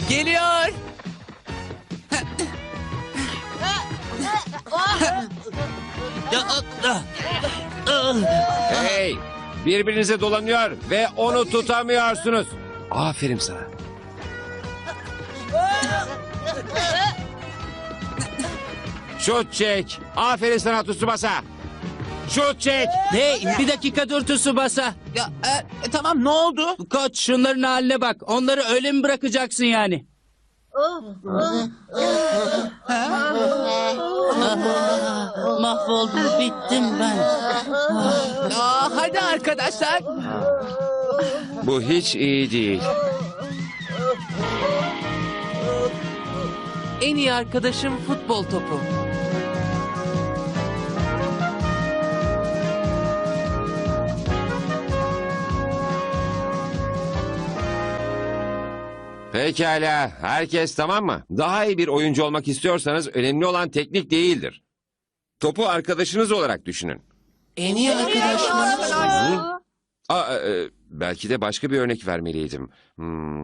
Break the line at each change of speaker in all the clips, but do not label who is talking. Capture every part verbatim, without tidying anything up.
Geliyor.
Hey! Birbirinize dolanıyor ve onu tutamıyorsunuz. Aferin sana. Şut çek. Aferin sana Tsubasa. Şut çek.
Hey bir dakika dur Tsubasa.
Ya, e, e, tamam ne oldu?
Koç şunların haline bak. Onları öyle mi bırakacaksın yani? Mahvoldum, bittim ben.
Aa, hadi arkadaşlar.
Bu hiç iyi değil.
En iyi arkadaşım futbol topu.
Pekala. Herkes tamam mı? Daha iyi bir oyuncu olmak istiyorsanız önemli olan teknik değildir. Topu arkadaşınız olarak düşünün.
En iyi arkadaşım.
Aa, e, belki de başka bir örnek vermeliydim. Hmm.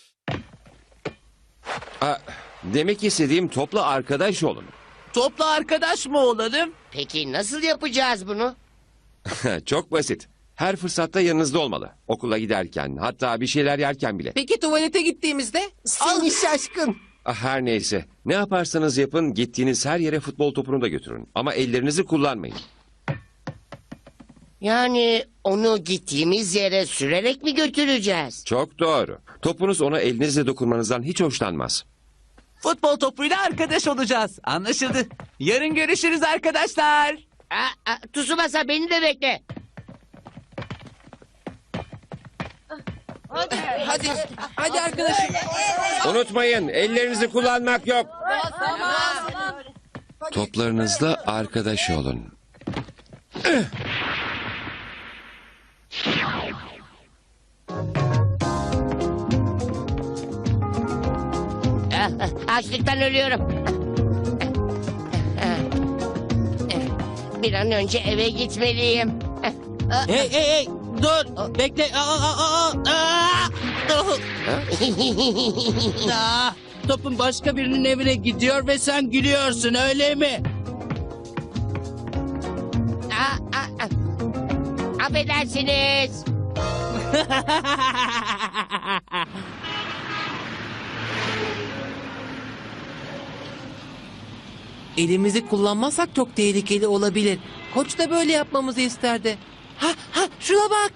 Aa, demek istediğim topla arkadaş olun.
Topla arkadaş mı olalım?
Peki nasıl yapacağız bunu?
Çok basit. Her fırsatta yanınızda olmalı. Okula giderken, hatta bir şeyler yerken bile.
Peki tuvalete gittiğimizde?
Seni şaşkın.
Ah, her neyse. Ne yaparsanız yapın, gittiğiniz her yere futbol topunu da götürün. Ama ellerinizi kullanmayın.
Yani onu gittiğimiz yere sürerek mi götüreceğiz?
Çok doğru. Topunuz ona elinizle dokunmanızdan hiç hoşlanmaz.
Futbol topuyla arkadaş olacağız. Anlaşıldı. Yarın görüşürüz arkadaşlar.
Aa, aa, Tsubasa beni de bekle.
Hadi, hadi arkadaşım.
Unutmayın, ellerinizi kullanmak yok. Toplarınızla arkadaş olun.
Ah, ah, Açlıktan ölüyorum. Bir an önce eve gitmeliyim.
Hey hey hey dur bekle. Aa, aa, aa, aa. Aa, topun başka birinin evine gidiyor ve sen gülüyorsun öyle mi?
Aa, aa, aa. Affedersiniz.
Elimizi kullanmazsak çok tehlikeli olabilir. Koç da böyle yapmamızı isterdi. Ha ha şuna bak.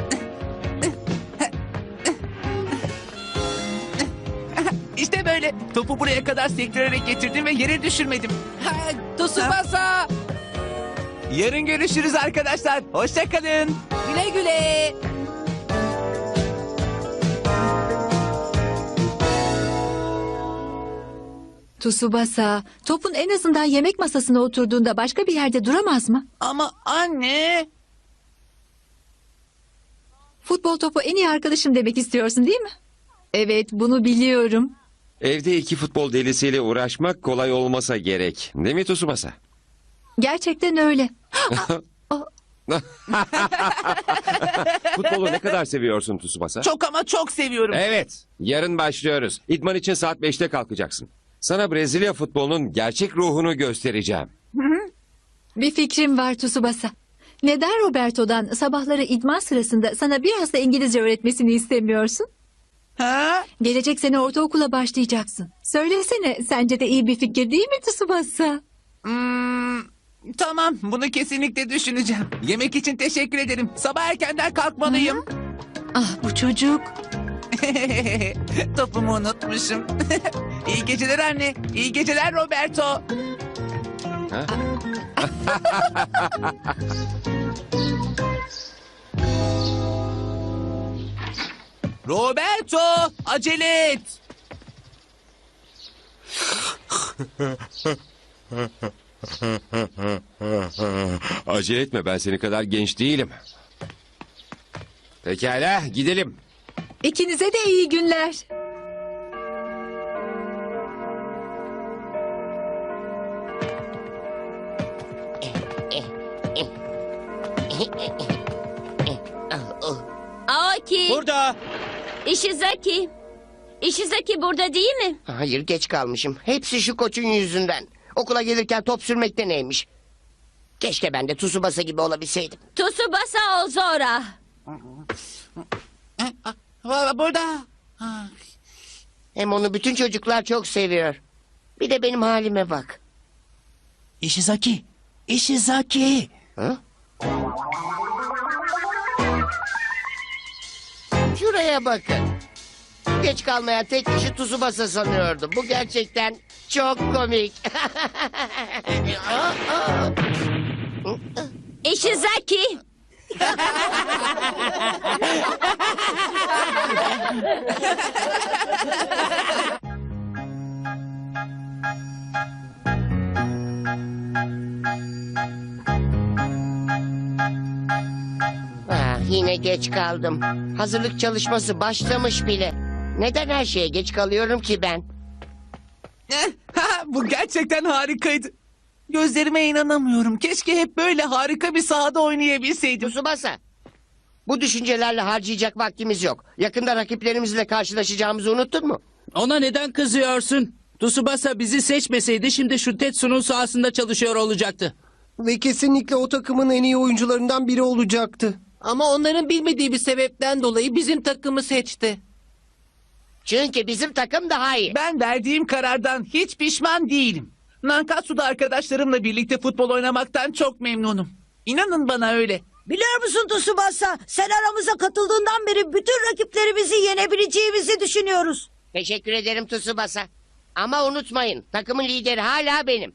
İşte böyle. Topu buraya kadar sektirerek getirdim ve yere düşürmedim. Ha, Tsubasa. Yarın görüşürüz arkadaşlar. Hoşça kalın. Güle güle.
Tsubasa, topun en azından yemek masasına oturduğunda başka bir yerde duramaz mı?
Ama anne.
Futbol topu en iyi arkadaşım demek istiyorsun değil mi? Evet, bunu biliyorum.
Evde iki futbol delisiyle uğraşmak kolay olmasa gerek. Değil mi Tsubasa?
Gerçekten öyle.
Futbolu ne kadar seviyorsun Tsubasa?
Çok ama çok seviyorum.
Evet, yarın başlıyoruz. İdman için saat beşte kalkacaksın. Sana Brezilya futbolunun gerçek ruhunu göstereceğim.
Bir fikrim var Tsubasa. Neden Roberto'dan sabahları idman sırasında sana biraz da İngilizce öğretmesini istemiyorsun?
Ha?
Gelecek sene ortaokula başlayacaksın. Söylesene, sence de iyi bir fikir değil mi Tsubasa?
Hmm, tamam, bunu kesinlikle düşüneceğim. Yemek için teşekkür ederim. Sabah erkenden kalkmalıyım.
Ah bu çocuk.
Topumu unutmuşum. İyi geceler anne. İyi geceler Roberto.
Ha?
Roberto, acele et.
Acele etme, ben seni kadar genç değilim. Pekala, gidelim.
İkinize de iyi günler.
Aoki,
Burada.
Ishizaki. Ishizaki burada değil mi?
Hayır, geç kalmışım. Hepsi şu koçun yüzünden. Okula gelirken top sürmekte neymiş? Keşke ben de Tsubasa gibi olabilseydim.
Tsubasa Ozora.
Va- Burada.
Hem onu bütün çocuklar çok seviyor. Bir de benim halime bak.
Ishizaki. Ishizaki.
Ha? Şuraya bakın. Geç kalmayan tek kişi Tsubasa sanıyordum. Bu gerçekten çok komik.
Ishizaki.
Ah, yine geç kaldım. Hazırlık çalışması başlamış bile. Neden her şeye geç kalıyorum ki ben?
Eh, ha, bu gerçekten harikaydı. Gözlerime inanamıyorum. Keşke hep böyle harika bir sahada oynayabilseydim.
Tsubasa. Bu düşüncelerle harcayacak vaktimiz yok. Yakında rakiplerimizle karşılaşacağımızı unuttun mu?
Ona neden kızıyorsun? Tsubasa bizi seçmeseydi şimdi şu Tetsu'nun sahasında çalışıyor olacaktı.
Ve kesinlikle o takımın en iyi oyuncularından biri olacaktı.
Ama onların bilmediği bir sebepten dolayı bizim takımı seçti.
Çünkü bizim takım daha iyi.
Ben verdiğim karardan hiç pişman değilim. Nankatsu'da arkadaşlarımla birlikte futbol oynamaktan çok memnunum. İnanın bana öyle.
Biliyor musun Tsubasa? Sen aramıza katıldığından beri bütün rakiplerimizi yenebileceğimizi düşünüyoruz.
Teşekkür ederim Tsubasa. Ama unutmayın, takımın lideri hala benim.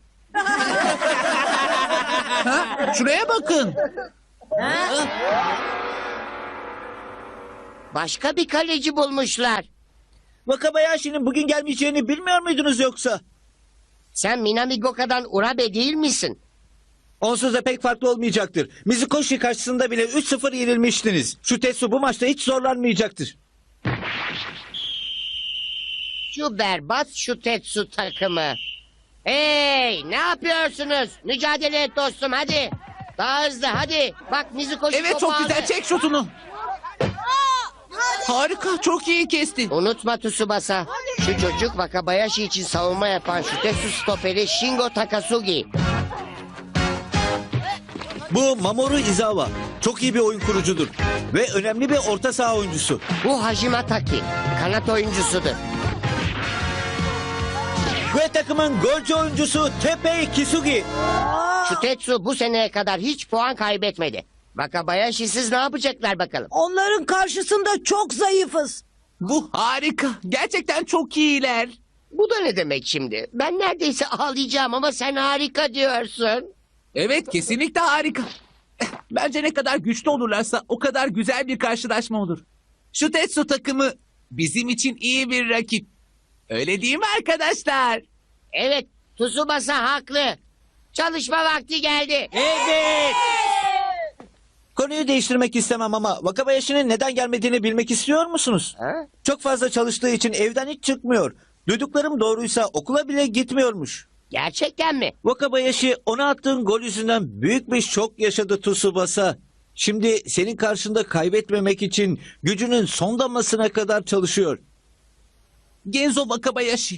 Ha, şuraya bakın.
Başka bir kaleci bulmuşlar.
Wakabayashi'nin bugün gelmeyeceğini bilmiyor muydunuz yoksa?
Sen Minami Goka'dan Urabe değil misin?
Onsuz da pek farklı olmayacaktır. Mizukoshi karşısında bile üç sıfır yenilmiştiniz. Şu Tetsu bu maçta hiç zorlanmayacaktır.
Şu berbat şu Tetsu takımı. Hey, ne yapıyorsunuz? Mücadele et dostum, hadi. Daha hızlı, hadi. Bak Mizukoshi
Evet,
topu
çok
aldı.
güzel. Çek şutunu. Harika. Çok iyi kesti.
Unutma Tsubasa. Şu çocuk Wakabayashi için savunma yapan şu Tetsu stoperi Shingo Takasugi.
Bu Mamoru Izawa. Çok iyi bir oyun kurucudur. Ve önemli bir orta saha oyuncusu.
Bu Hajime Taki. Kanat oyuncusudur.
Ve takımın golcü oyuncusu Teppei Kisugi.
Şu Tetsu bu seneye kadar hiç puan kaybetmedi. Wakabayashi'siz ne yapacaklar bakalım?
Onların karşısında çok zayıfız.
Bu harika. Gerçekten çok iyiler.
Bu da ne demek şimdi? Ben neredeyse ağlayacağım ama sen harika diyorsun.
Evet, kesinlikle harika. Eh, Bence ne kadar güçlü olurlarsa o kadar güzel bir karşılaşma olur. Şu Tetsu takımı bizim için iyi bir rakip. Öyle değil mi arkadaşlar?
Evet, Tsubasa haklı. Çalışma vakti geldi.
Evet. Konuyu değiştirmek istemem ama Wakabayashi'nin neden gelmediğini bilmek istiyor musunuz?
Ha?
Çok fazla çalıştığı için evden hiç çıkmıyor. Duyduklarım doğruysa okula bile gitmiyormuş.
Gerçekten mi?
Wakabayashi ona attığın gol yüzünden büyük bir şok yaşadı Tsubasa. Şimdi senin karşında kaybetmemek için gücünün son damlasına kadar çalışıyor.
Genzo Wakabayashi.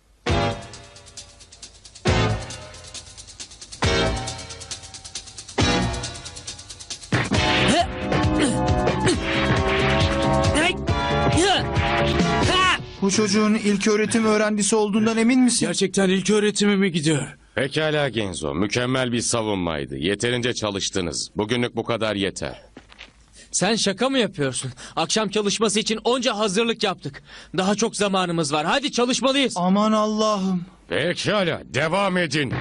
Bu çocuğun ilk öğretim öğrencisi olduğundan emin misin?
Gerçekten ilk öğretime mi gidiyor?
Pekala Genzo, mükemmel bir savunmaydı. Yeterince çalıştınız. Bugünlük bu kadar yeter.
Sen şaka mı yapıyorsun? Akşam çalışması için onca hazırlık yaptık. Daha çok zamanımız var. Hadi çalışmalıyız.
Aman Allah'ım.
Pekala, devam edin.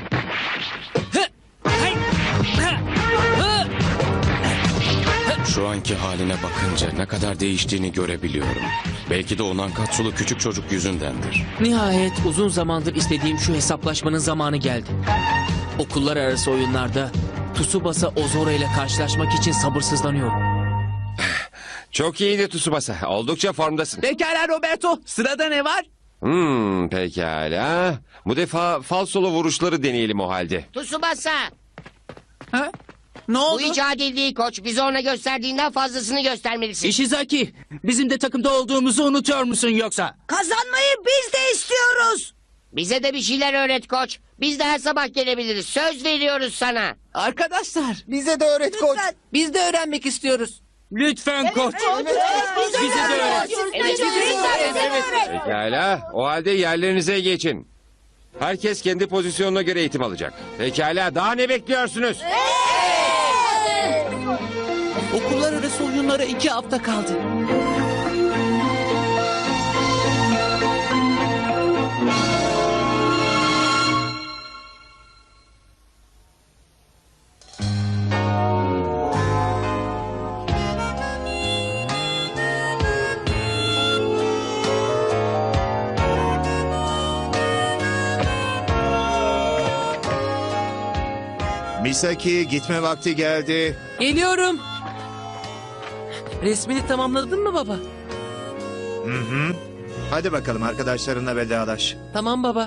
Şu anki haline bakınca ne kadar değiştiğini görebiliyorum. Belki de o Nankatsulu küçük çocuk yüzündendir.
Nihayet uzun zamandır istediğim şu hesaplaşmanın zamanı geldi. Okullar arası oyunlarda Tsubasa Ozora ile karşılaşmak için sabırsızlanıyorum.
Çok iyiydi Tsubasa. Oldukça formdasın.
Pekala Roberto. Sırada ne var?
Hmm, pekala. Bu defa falsolu vuruşları deneyelim o halde.
Tsubasa.
Ha?
Ne
Bu
oldu?
hiç adil değil koç. Bize ona gösterdiğinden fazlasını göstermelisin.
Ishizaki, bizim de takımda olduğumuzu unutuyor musun yoksa?
Kazanmayı biz de istiyoruz.
Bize de bir şeyler öğret koç. Biz de her sabah gelebiliriz. Söz veriyoruz sana.
Arkadaşlar
Bize de öğret koç.
Lütfen.
biz de öğrenmek istiyoruz.
Lütfen koç. Bize de öğret.
Evet, evet.
Pekala, o halde yerlerinize geçin. Herkes kendi pozisyonuna göre eğitim alacak. Pekala, daha ne bekliyorsunuz?
Okullar arası oyunlara iki hafta kaldı.
Misaki gitme vakti geldi.
Geliyorum. Resmini tamamladın mı baba?
Hı hı. Hadi bakalım arkadaşlarınla vedalaş.
Tamam baba.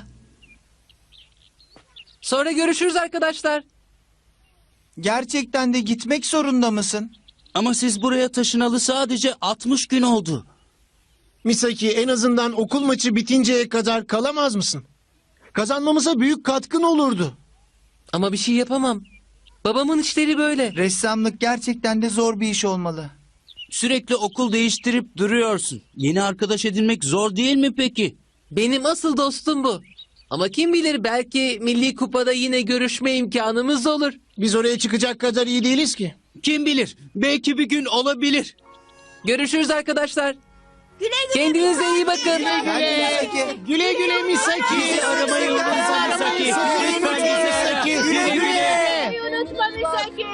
Sonra görüşürüz arkadaşlar.
Gerçekten de gitmek zorunda mısın?
Ama siz buraya taşınalı sadece altmış gün oldu.
Misaki en azından okul maçı bitinceye kadar kalamaz mısın? Kazanmamıza büyük katkın olurdu.
Ama bir şey yapamam. Babamın işleri böyle.
Ressamlık gerçekten de zor bir iş olmalı.
Sürekli okul değiştirip duruyorsun. Yeni arkadaş edinmek zor değil mi peki?
Benim asıl dostum bu. Ama kim bilir belki Milli Kupa'da yine görüşme imkanımız olur.
Biz oraya çıkacak kadar iyi değiliz ki.
Kim bilir? Belki bir gün olabilir.
Görüşürüz arkadaşlar.
Güle güle.
Kendinize iyi bakın.
Güle güle Misaki.
Bizi aramayı unutma Misaki. Lütfen bizi ara. Güle güle.
Unutma Misaki.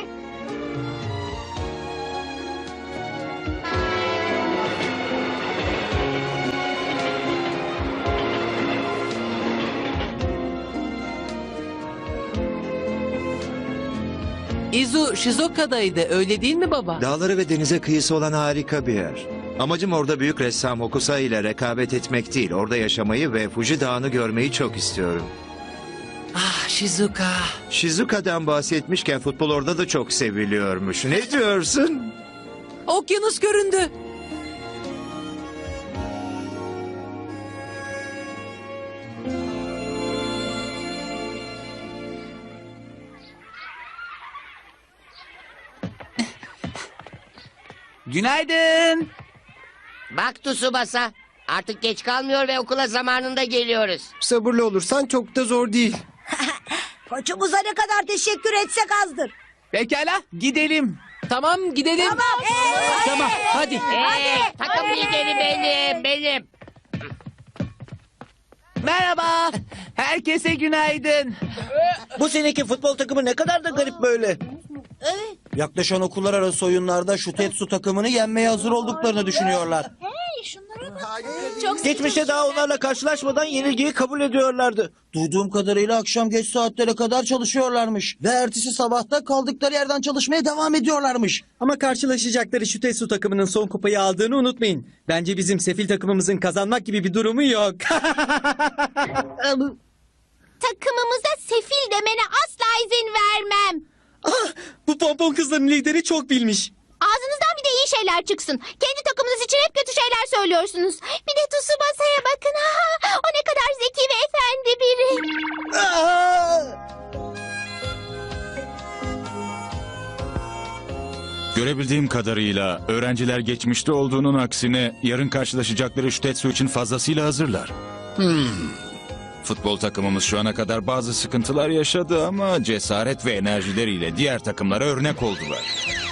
Izu Shizoka'daydı öyle değil mi baba?
Dağları ve denize kıyısı olan harika bir yer. Amacım orada büyük ressam Hokusai ile rekabet etmek değil. Orada yaşamayı ve Fuji Dağı'nı görmeyi çok istiyorum.
Ah Shizuka.
Shizuka'dan bahsetmişken futbol orada da çok seviliyormuş. Ne diyorsun?
Okyanus göründü. Günaydın.
Bak Tsubasa. Artık geç kalmıyor ve okula zamanında geliyoruz.
Sabırlı olursan çok da zor değil.
Koçumuza ne kadar teşekkür etsek azdır.
Pekala gidelim. Tamam gidelim.
Tamam. Hey,
Tamam hadi.
Ee, takım lideri benim, benim.
Merhaba. Herkese günaydın.
Bu seneki futbol takımı ne kadar da garip böyle.
Yaklaşan okullar arası oyunlarda şu Tetsu takımını yenmeye hazır olduklarını düşünüyorlar.
Geçmişte daha onlarla karşılaşmadan yenilgiyi kabul ediyorlardı.
Duyduğum kadarıyla akşam geç saatlere kadar çalışıyorlarmış. Ve ertesi sabahta kaldıkları yerden çalışmaya devam ediyorlarmış.
Ama karşılaşacakları şu Tetsu takımının son kupayı aldığını unutmayın. Bence bizim sefil takımımızın kazanmak gibi bir durumu yok.
Takımımıza sefil demene asla izin vermem.
Ah, bu pompon kızların lideri çok bilmiş.
Ağzınızdan bir de iyi şeyler çıksın. Kendi takımınız için hep kötü şeyler söylüyorsunuz. Bir de Tsubasa'ya bakın. Ha, o ne kadar zeki ve efendi biri.
Görebildiğim kadarıyla öğrenciler geçmişte olduğunun aksine yarın karşılaşacakları şu Tetsu için fazlasıyla hazırlar. Hmm. Futbol takımımız şu ana kadar bazı sıkıntılar yaşadı ama cesaret ve enerjileriyle diğer takımlara örnek oldular.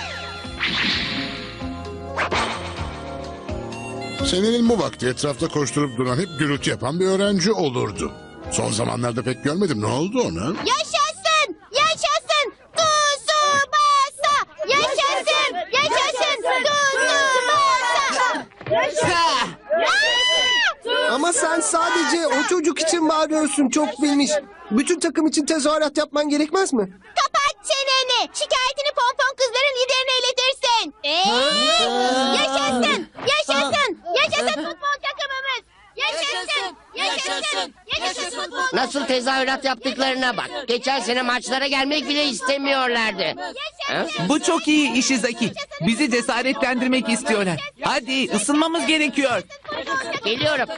Senenin bu vakti etrafta koşturup duran hep gürültü yapan bir öğrenci olurdu. Son zamanlarda pek görmedim. Ne oldu ona?
Yaşasın! Yaşasın! Tsubasa! Yaşasın! Yaşasın! Tsubasa!
Yaşasın! Ama sen sadece o çocuk için bağırıyorsun, çok bilmiş. Bütün takım için tezahürat yapman gerekmez mi?
Kapat çeneni! Şikayetini pompon kızların liderine iletirsin. Ee, yaşasın! Yaşasın! Yaşasın futbol takımımız! Yaşasın! Yaşasın! Yaşasın!
Nasıl tezahürat yaptıklarına bak. Geçen sene maçlara gelmek bile istemiyorlardı. Ha?
Bu çok iyi Ishizaki. Bizi cesaretlendirmek istiyorlar. Hadi ısınmamız gerekiyor.
Geliyorum.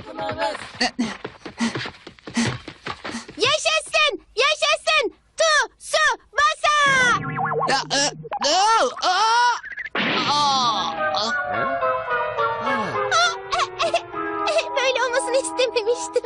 Yaşasın! Yaşasın! Tu su basa! Böyle olmasını istememiştim.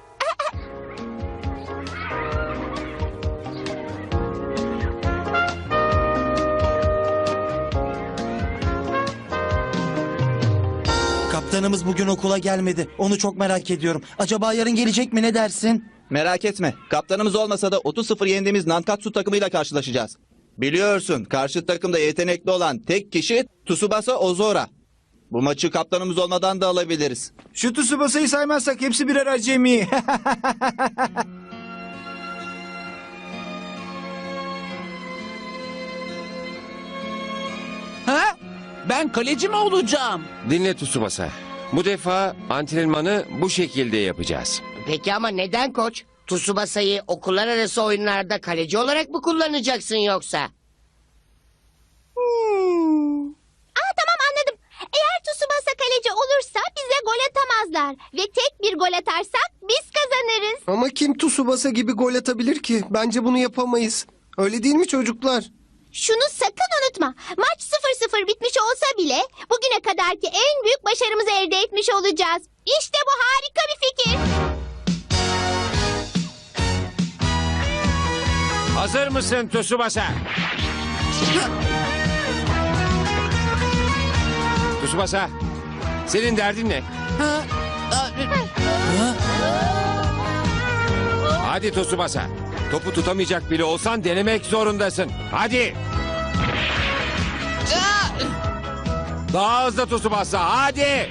Kaptanımız bugün okula gelmedi. Onu çok merak ediyorum. Acaba yarın gelecek mi, ne dersin?
Merak etme. Kaptanımız olmasa da otuz sıfır yendiğimiz Nankatsu takımıyla karşılaşacağız. Biliyorsun karşı takımda yetenekli olan tek kişi Tsubasa Ozora. Bu maçı kaptanımız olmadan da alabiliriz.
Şu Tsubasa'yı saymazsak hepsi birer acemi.
Ha? Ben kaleci mi olacağım?
Dinle Tsubasa. Bu defa antrenmanı bu şekilde yapacağız.
Peki ama neden koç? Tsubasa'yı okullar arası oyunlarda kaleci olarak mı kullanacaksın yoksa?
Hmm. Aa, tamam anladım. Eğer Tsubasa kaleci olursa bize gol atamazlar. Ve tek bir gol atarsak biz kazanırız.
Ama kim Tsubasa gibi gol atabilir ki? Bence bunu yapamayız. Öyle değil mi çocuklar?
Şunu sakın unutma. Maç sıfır sıfır bitmiş olsa bile bugüne kadarki en büyük başarımızı elde etmiş olacağız. İşte bu harika bir fikir.
Hazır mısın Tsubasa? Tsubasa, senin derdin ne? Hadi Tsubasa. Topu tutamayacak bile olsan denemek zorundasın. Hadi. Daha hızlı Tsubasa, hadi.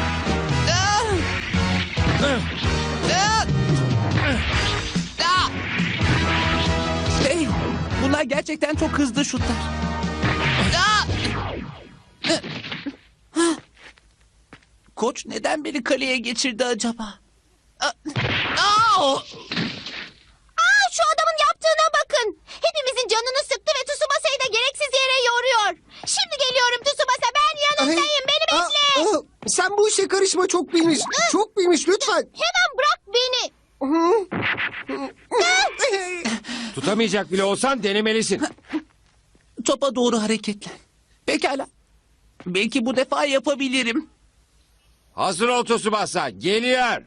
Hey, bunlar gerçekten çok hızlı şutlar. Koç neden beni kaleye geçirdi acaba?
Aa, şu adamın yaptığına bakın. Hepimizin canını sıktı ve Tsubasa'yı da gereksiz yere yoruyor. Şimdi geliyorum Tsubasa, ben yanındayım, beni bekle.
Aa, aa, sen bu işe karışma, çok bilmiş. Çok bilmiş, lütfen.
Hemen bırak beni.
Tutamayacak bile olsan denemelisin.
Topa doğru hareketlen. Pekala. Belki bu defa yapabilirim.
Hazır ol Tsubasa, geliyor.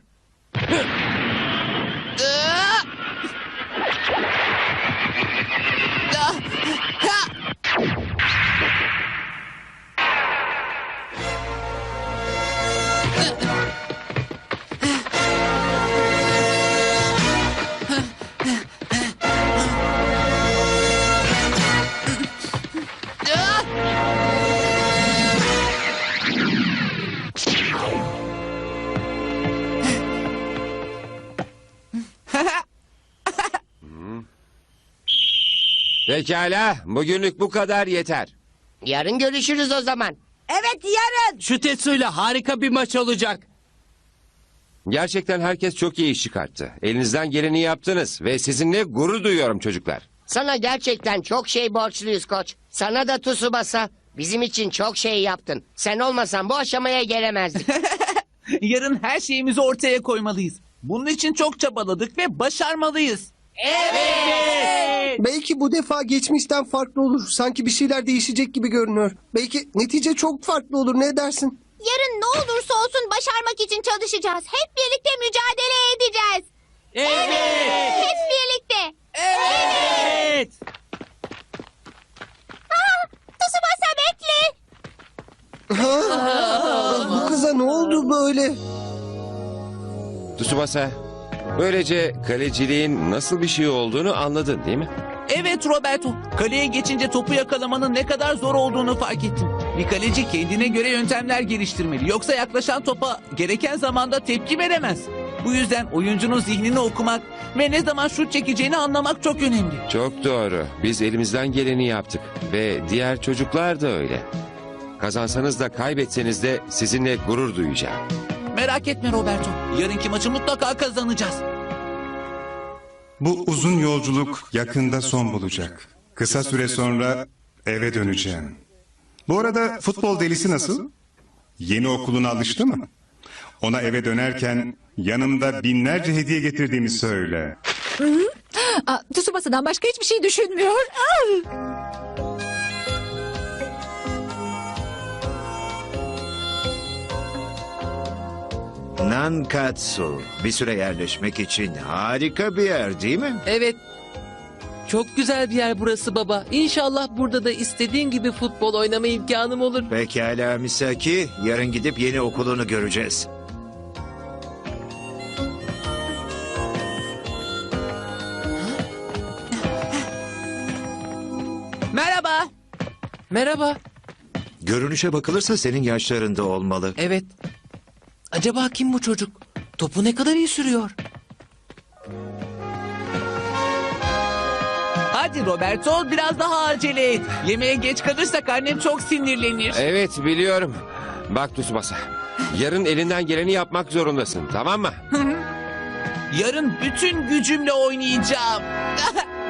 Pekala, bugünlük bu kadar yeter.
Yarın görüşürüz o zaman.
Evet, yarın.
Şu Tetsu'yla harika bir maç olacak.
Gerçekten herkes çok iyi iş çıkarttı. Elinizden geleni yaptınız ve sizinle gurur duyuyorum çocuklar.
Sana gerçekten çok şey borçluyuz koç. Sana da Tsubasa. Bizim için çok şey yaptın. Sen olmasan bu aşamaya gelemezdik.
Yarın her şeyimizi ortaya koymalıyız. Bunun için çok çabaladık ve başarmalıyız.
Evet. Belki bu defa geçmişten farklı olur. Sanki bir şeyler değişecek gibi görünüyor. Belki netice çok farklı olur, ne dersin?
Yarın ne olursa olsun başarmak için çalışacağız. Hep birlikte mücadele edeceğiz.
Evet.
Hep birlikte.
Evet.
Aa, Tsubasa bekle.
Ha? Bu kıza ne oldu böyle?
Tsubasa, böylece kaleciliğin nasıl bir şey olduğunu anladın değil mi?
Evet Roberto. Kaleye geçince topu yakalamanın ne kadar zor olduğunu fark ettim. Bir kaleci kendine göre yöntemler geliştirmeli. Yoksa yaklaşan topa gereken zamanda tepki veremez. Bu yüzden oyuncunun zihnini okumak ve ne zaman şut çekeceğini anlamak çok önemli.
Çok doğru. Biz elimizden geleni yaptık. Ve diğer çocuklar da öyle. Kazansanız da kaybetseniz de sizinle gurur duyacağım.
Merak etme Roberto. Yarınki maçı mutlaka kazanacağız.
Bu uzun yolculuk yakında son bulacak. Kısa süre sonra eve döneceğim. Bu arada futbol delisi nasıl? Yeni okuluna alıştı mı? Ona eve dönerken yanımda binlerce hediye getirdiğimi söyle.
Aa, Tsubasa'dan başka hiçbir şey düşünmüyor. Aa!
Nankatsu bir süre yerleşmek için harika bir yer değil mi?
Evet. Çok güzel bir yer burası baba. İnşallah burada da istediğin gibi futbol oynama imkanım olur.
Pekala Misaki, yarın gidip yeni okulunu göreceğiz.
Merhaba.
Merhaba.
Görünüşe bakılırsa senin yaşlarında olmalı.
Evet. Acaba kim bu çocuk? Topu ne kadar iyi sürüyor?
Hadi Roberto biraz daha acele et. Yemeğe geç kalırsak annem çok sinirlenir.
Evet biliyorum. Bak Tsubasa. Yarın elinden geleni yapmak zorundasın, tamam mı?
Yarın bütün gücümle oynayacağım.